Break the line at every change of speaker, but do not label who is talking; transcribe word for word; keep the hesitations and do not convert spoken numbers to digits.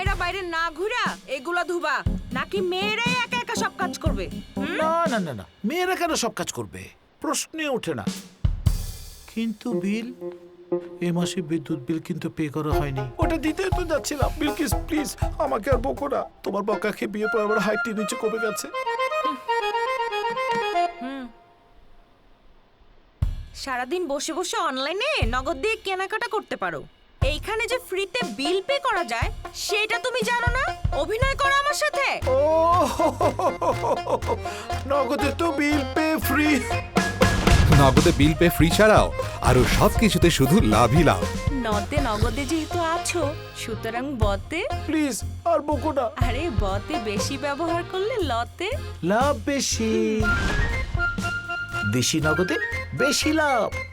জামাইরা বাইরে না ঘুরা এগুলা ধুবা, নাকি মেয়েরাই একা একা সব কাজ করবে?
না না না না, মেয়েরা কেন সব কাজ করবে, প্রশ্নে ওঠে না। কিন্তু বিল, এ মাসে বিদ্যুৎ বিল কিন্তু পে করা হয়নি। ওটা দিতে তো যাচ্ছিলাম। বিলকিস প্লিজ আমাকে আর বকো না। তোমার বকাকে বিয়ে পর আমার হাইট নিচে কমে গেছে।
সারাদিন বসে বসে অনলাইনে নগদ দিয়ে কেনাকাটা করতে পারো, এইখানে যে ফ্রিতে বিল পে করা যায় সেটা তুমি জানো না? অভিনয় করো আমার সাথে।
ও নগদে তো বিল পে ফ্রি।
নগদে বিল পে ফ্রি ছাড়াও আরো সবকিছুতে শুধু লাভই লাভ।
নতে নগদে যেহেতু আছো, সুতরাং বতে
প্লিজ আর বকো না।
আরে বতে বেশি ব্যবহার করলে লতে
লাভ বেশি, বেশি নগদে বেশি লাভ।